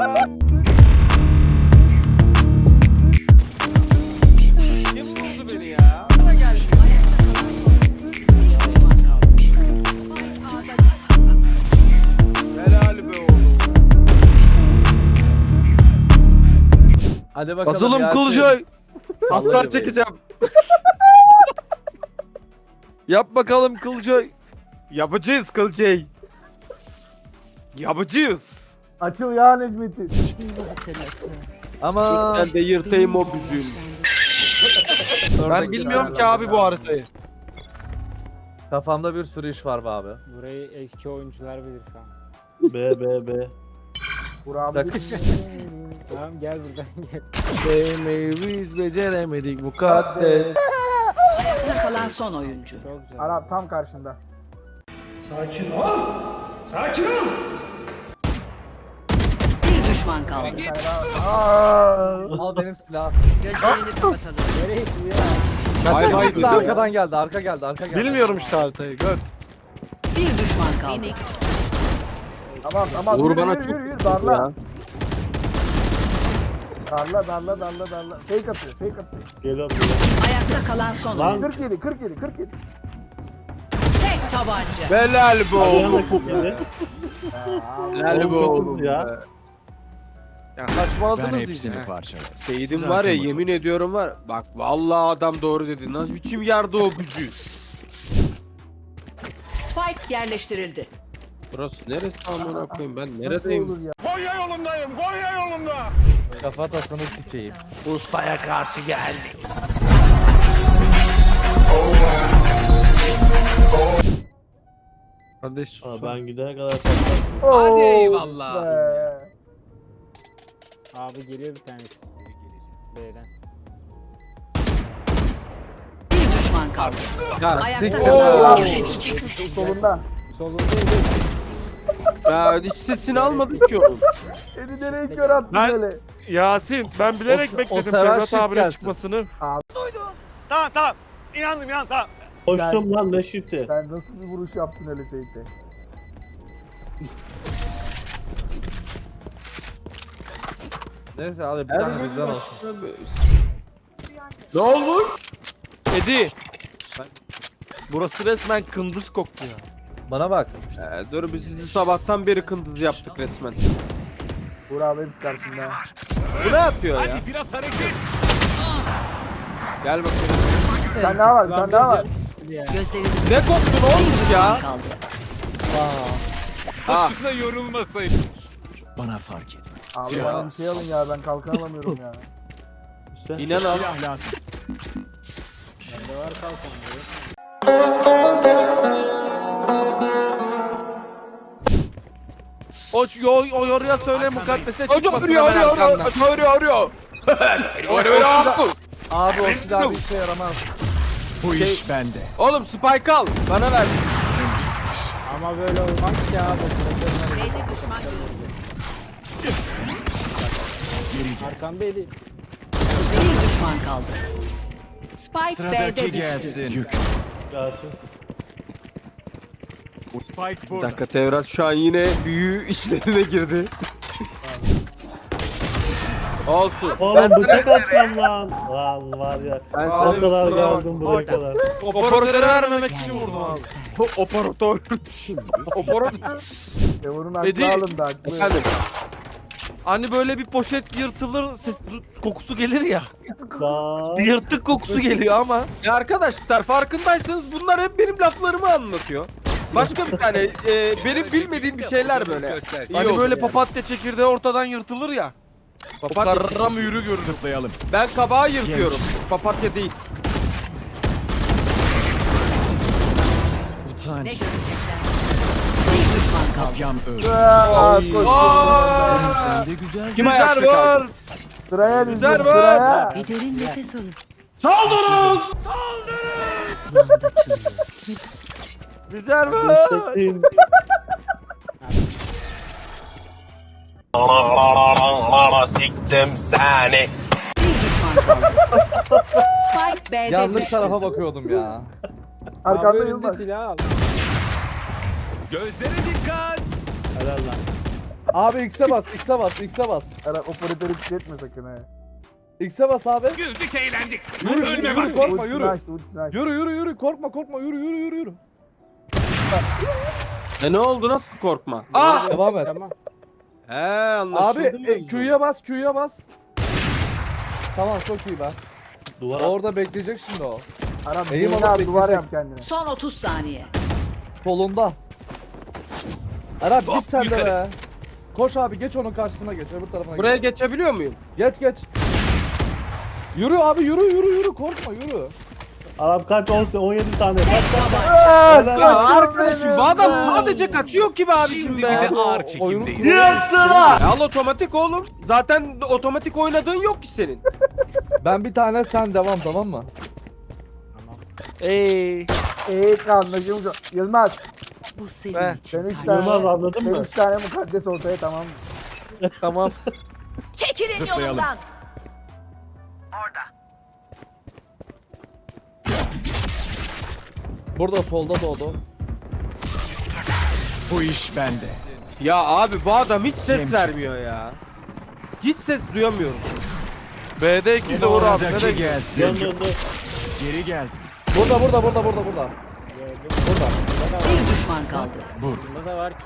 Kim vurdu beni ya? Bana geldi. Helal be oğlum. Hadi bakalım. Asılım Yasin. Kılcay. Salla Aslar göbeği. çekeceğim. Yap bakalım Kılcay. Yapacağız Kılcay. Yapacağız. Açıl ya Necmettin. Ama Ben de yırtayım o büzüğünü. Ben bilmiyorum ki abi bu haritayı. kafamda bir sürü iş var be abi. Burayı eski oyuncular bilir şu an. B. Burak Takı- abi. Tamam gel buradan gel. Biz beceremedik mukaddes. Ayakta kalan son oyuncu. Çok güzel. Arap tam karşında. Bir düşman kaldı. Al benim silahım. Gözlerini kapatalım. Neresi ya? Hay hay Kaçak diyor. arkadan geldi, arka geldi, arka geldi. Bilmiyorum işte haritayı gör. Bir düşman kaldı. Tamam. Uğur Yürü, bana yürü, çok yürü, yürü. kötü Darla. ya. Darla. Fake atıyor. Geliyorum. Ayakta kalan son Lan. oyuncu. 47. Tek tabanca. Helal be oğlum. Ayağına kutladı. Helal be Oğlum çok oğlum hızlı ya. be. Ya saçmaladınız yine. Seydim var ya yemin ediyorum var. Bak vallahi adam doğru dedi. Nasıl biçim yerde o büzü. Spike yerleştirildi. Burası neresi amına koyayım ben Nasıl neredeyim? olur ya? Kafatasını sikeyim. Ustaya karşı geldi. Kardeş sus. Aa, ben gidene kadar patlattım. Hadi eyvallah. Abi geliyor bir tanesi. B'den. Bir düşman kaldı. Ya Ayakta siktir. kalan Oo. göremeyeceksiniz. Solunda. Solundaydı. Ya hiç sesini almadık ki oğlum. Seni nereye kör attın Ben- böyle? Yasin ben bilerek O bekledim sefer Ferhat shift abinin gelsin. çıkmasını. Tamam. İnandım tamam. Koştum lan ne shift'i. Sen nasıl bir vuruş yaptın öyle Seyit'e? Neyse hadi bir tane bizden olsun. Ne olmuş? Edi. Burası resmen kındız koktu ya. Bana bak. Dur biz sizi sabahtan beri kındız yaptık resmen. Burak abi hepsi karşında. Bu ne yapıyor ya? Biraz hareket. Gel bakayım. Sen daha var. Gözlerini Ne koktun oğlum bir düşman ya? kaldı. Ah. Boşuna yorulmasaydın. Abi bana bir şey alın ya ben kalkan alamıyorum ya. İşte. İnan al. lazım. Bende var kalkan diyor. O yoruya söyle mukaddese çıkmasın hemen arkandan. Abi o silah bir işe yaramaz. Bu iş bende. Oğlum Spike al. Bana ver. Ama böyle olmaz ki abi. B'de düşman görüldü. Arkandaydı. Bir düşman kaldı. Spike B'de düştü. Gelsin. Spike Bir burada. dakika Tevrat şu an yine büyü işlerine girdi. Olsun. Oğlum bıçak atacağım lan. Lan var ya. Ben O sana kadar kusura bakma. geldim buraya kadar. Operatörü vermemek için vurdum abi. Operatör. Şimdi Operatör. Teor'un Edi. aklı alındı aklı. Efendim. Hani böyle bir poşet yırtılır, ses kokusu gelir ya. Lan. Bir yırtık kokusu geliyor ama. Ya arkadaşlar farkındaysanız bunlar hep benim laflarımı anlatıyor. Başka bir tane benim bilmediğim bir şeyler böyle. Hani böyle papatya çekirdeği ortadan yırtılır ya. Papatya karra mühürü görürüm. Zıplayalım. Ben kabağı yırtıyorum. Papatya değil. ne görecekler? Bir düşman kaldı. Yam öl. Kim ayakta var? Sıraya Güzel dizdim var. sıraya. Bir derin nefes alın. Bizler var. Destekleyin. Siktim seni. Bir düşman kaldı. Spike B'de Yanlış düştü. tarafa bakıyordum ya. Abi Arkanda önünde Yılmaz. silah al. Gözlere dikkat. Helal lan. Abi X'e bas, X'e bas, X'e bas. Eren operatörü tüketme sakın he. X'e bas abi. Güldük eğlendik. Yürü, yürü, yürü, korkma, Ultisini yürü. açtı, ultisini açtı. Yürü, yürü, yürü, korkma, korkma, yürü, yürü, yürü, yürü. Ne oldu, nasıl korkma? Ah! Devam et. Tamam. He, anlaşıldı Abi mı? Q'ya bas, Q'ya bas. Tamam, çok iyi be. Duvar Orada bekleyecek şimdi o. Aram Eğim beyni alıp al, duvar beklesek. yap kendine. Son 30 saniye. Solunda. Arap Hop, git sen de yukarı. be. Koş abi, geç onun karşısına geç, öbür tarafına Buraya geç. geçebiliyor muyum? Geç, geç. Yürü abi, yürü, yürü, yürü, korkma, yürü. Arap kaç 17 saniye. Kaç kaç. Ya Helal. arkadaşım bu adam sadece kaçıyor ki be abicim Şimdi be. bir de ağır Oyunu- çekimdeyiz. Al otomatik oğlum. Zaten otomatik oynadığın yok ki senin. Ben bir tane, sen devam, tamam mı? Ey. Anlaşılmış. Yılmaz. Bu senin Ver. için. Sen 3 Yılmaz tane, anladın sen mı? 3 tane mukaddes ortaya tamam mı? Tamam. Çekilin Zıplayalım. yolundan. Burada solda doğdu. Bu iş bende. Ya abi bu adam hiç ses vermiyor ya. Hiç ses duyamıyorum. B'de 2 de Uğur abi. Nereye Sıradaki gidiyor? gelsin. Dön dön dön. Geri geldim. Burada. Burada. Bir düşman kaldı. Bunda da var ki.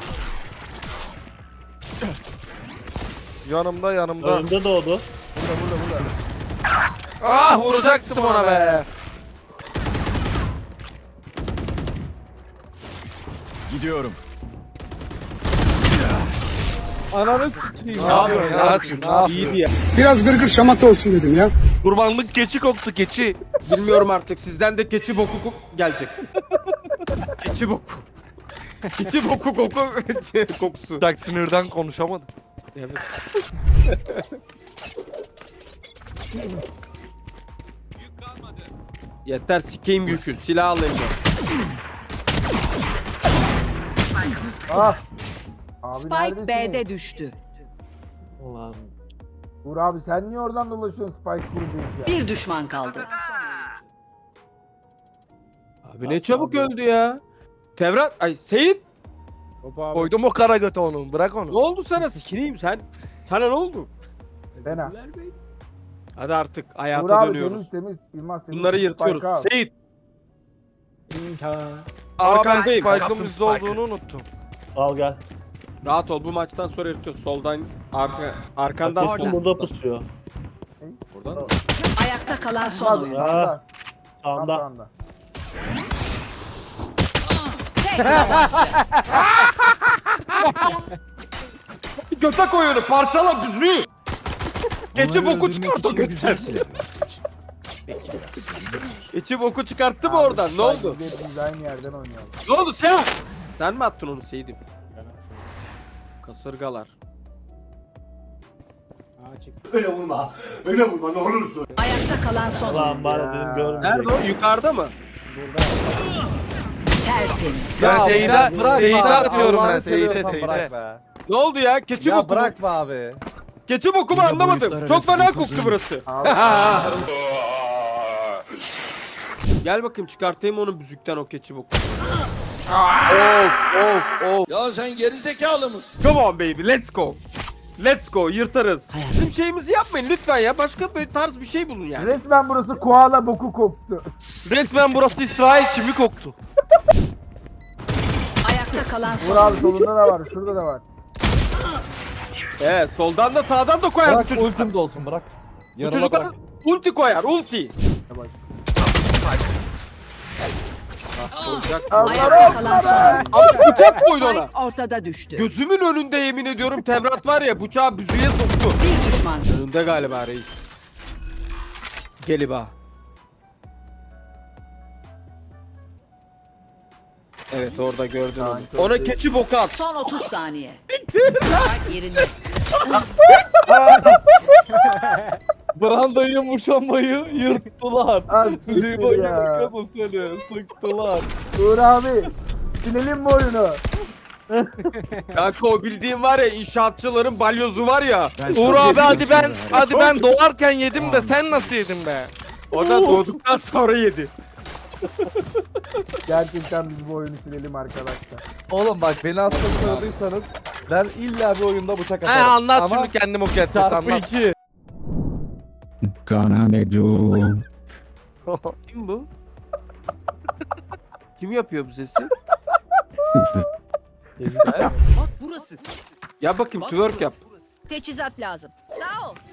Yanımda. Önümde doğdu. Ah vuracaktım ona be. Gidiyorum. Ananı sikeyim. Ne yapıyorsun Yasin, ne ya? yapıyorsun? İyiydi ya. Biraz gırgır şamata olsun dedim ya. Kurbanlık keçi koktu keçi. Bilmiyorum artık sizden de keçi boku gelecek. Keçi boku. Keçi boku kokusu. Bak sinirden konuşamadım. Evet. Yeter sikeyim yükün. Silah alayım ben. Ah. Abi Spike neredesin? B'de düştü. Ulan. Uğur abi sen niye oradan dolaşıyorsun Spike kuracağız ya? Bir düşman kaldı. Abi ne çabuk öldü ya. Tevrat, ay Seyit, Hop abi. Koydum o kara götü onun. Bırak ne onu. oldu sana sikineyim sen? Sana ne oldu? Fena. Hadi artık Uğur hayata abi dönüyoruz. temiz. Yılmaz temiz. Bunları Spike yırtıyoruz. al. Seyit, İmkan. arkandayım. Spike'ın Kaptım bizde Spike'ı. olduğunu unuttum. Al gel. Rahat ol, bu maçtan sonra yırtıyoruz. Soldan, arkandan Orada. sol. Burada pusuyor. Buradan. Ayakta kalan son oyun. Ha. Sağda. Sağında. Sağda. Tek tabanca. Göte koy onu, parçala büzüğü. Keçi boku çıkart o götten. Keçi boku çıkarttı mı oradan? Ne oldu? Biz aynı yerden oynayalım. Ne oldu sen? Sen mi attın onu Seyit'im? Kasırgalar. Aa çıktı. Ayakta kalan son oyun. Ulan bana dedim görmeyecek. Nerede o? Yukarıda mı? Tertemiz. Ben Ya Seyit'e bırak Seyit'e be. atıyorum ben. Allah'ını Seyit'e seviyorsan bırak Seyit'e. be. Ne oldu ya? Keçi Ya boku mu? bırak be abi. Keçi boku mu Yine anlamadım. boyutlar Çok arası fena bir koktu kuzum. burası. Gel bakayım çıkartayım onu büzükten o keçi boku. Of. Ya sen geri zekalı mısın? Come on baby, let's go. Let's go, yırtarız. Bizim şeyimizi yapmayın lütfen ya. Başka bir tarz bir şey bulun yani. Resmen burası koala boku koktu. Resmen burası İsrail çimi koktu. Ayakta kalan Uğur son abi oyun. solunda da var. Şurada da var. Evet, soldan da sağdan da koyar bu Bırak çocuk. ultim de olsun bırak. Bu Yanıma çocuklar bırak. ulti koyar, ulti. Yavaş. Ayakta kalan son oyun. Abi bıçak koydu ona. Spike ortada düştü. Gözümün önünde yemin ediyorum Tevrat var ya bıçağı büzüğe soktu. Bir düşman. Önünde galiba reis. Geliba. Evet orada gördün onu. Ona keçi boku at. Son 30 saniye. Spike yerinde. Branda'yı muşambayı yırttılar. Al Libo siktir ya. yakası seni sıktılar. Uğur abi. Silelim mi oyunu? Kanka o bildiğin var ya inşaatçıların balyozu var ya. Ben Uğur sana abi hadi ben diyorum hadi ben doğarken yedim de sen nasıl yedin be? O da doğduktan sonra yedi. Gerçekten biz bu oyunu silelim arkadaşlar. Oğlum bak beni hasta koyulduysanız ben illa bir oyunda bıçak He atarım. anlat Ama şimdi kendimi o kettesi çarpı anlat. 2. Kim bu? Kim yapıyor bu sesi? Bak burası. Ya bakayım twerk yap. Teçhizat lazım. Sağ ol.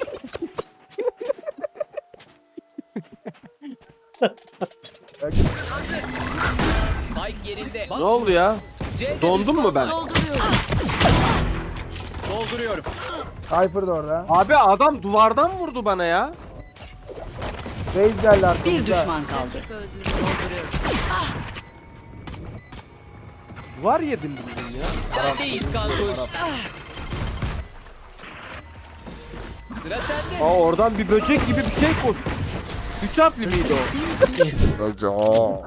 Spike yerinde. Ne oldu ya? Dondum mu ben? Dolduruyorum. Dolduruyorum. Cypher da orada. Abi adam duvardan vurdu bana ya. Reis geldi arkamızda. Bir düşman kaldı. Dolduruyorum. Duvar yedim bildim ya. Sendeyiz kankuş. Sıra sende. Aa oradan bir böcek gibi bir şey koş. 3 harfli miydi o?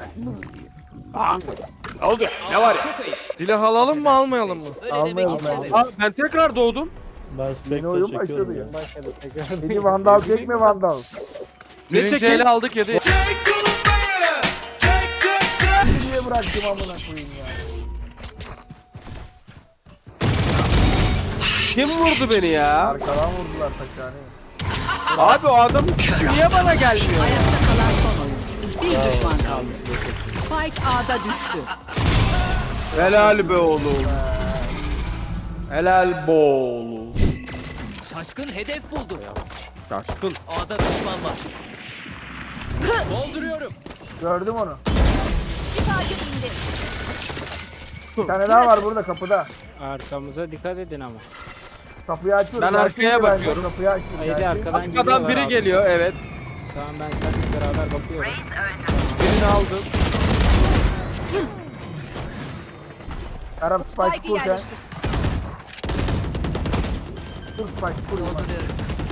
Oldu. Ne var ya? Çok ayıp. Silah alalım mı almayalım mı? Öyle Almayalım demek abi. istemedim. Aa ben tekrar doğdum. Ben Yeni Spectre oyun çekiyorum başladı ya. ya. Başladı tekrar. Beni vandal çekme vandal. Birinci çekeyim? ele aldık yedi. Niye bıraktım amına koyayım ya. Kim vurdu beni ya? Arkadan vurdular taşhaneyi. Abi o adam niye bana gelmiyor? Ayakta kalan son oyuncu. Bir düşman kaldı. Spike A'da düştü. Helal be oğlum. Helal be oğlum. Şaşkın hedef buldu. Şaşkın. A'da düşman var. Dolduruyorum. Gördüm onu. Şifacı indi. Bir tane daha var burada kapıda. Arkamıza dikkat edin ama. Kapıyı açıyorum. Ben arkaya Gerçekten ben bakıyorum. Kapıyı açıyorum. Haydi gerçekten. arkadan Arkadan biri abi. geliyor evet. Tamam ben seninle beraber bakıyorum. Birini aldım. Arap Spike Spike'ı kur sen. yerleştir. Dur Spike kur. Dolduruyorum.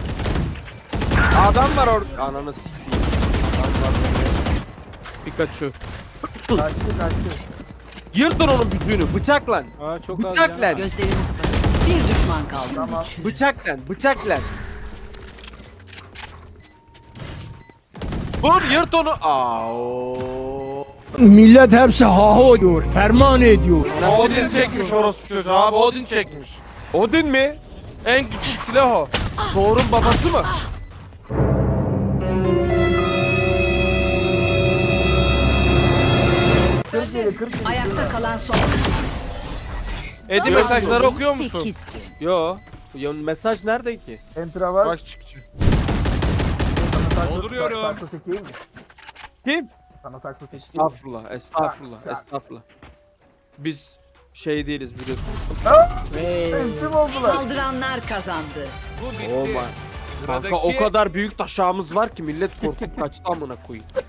Adam var orada. Ananı s**eyim. Adam var orada. Pikachu. Kaçtı. Yırtın onun büzüğünü bıçakla. Aa çok az Bıçakla. canım. Gözlerini kapat. Bir düşman kaldı. Tamam. Bıçakla. Vur yırt onu. Aa. Millet hepsi haho diyor, ferman ediyor. Odin çekmiş orospu çocuğu abi Odin çekmiş. Odin mi? En küçük silah o. Thor'un babası mı? Kırk yedi, 40 yedi. Ayakta kalan son oyuncu. Edi mesajları okuyor musun? İkisi. Yo. Ya mesaj nerede ki? Enter'a var. Bak çıkacak. Dolduruyorum. Sakso çekeyim mi? Kim? Sana sakso çekeyim. Estağfurullah. Biz şey değiliz biliyorsun. Entim oldular. Saldıranlar kazandı. Bu bitti. Oh my. Kanka o kadar büyük taşağımız var ki millet korkup kaçtı amına koyayım.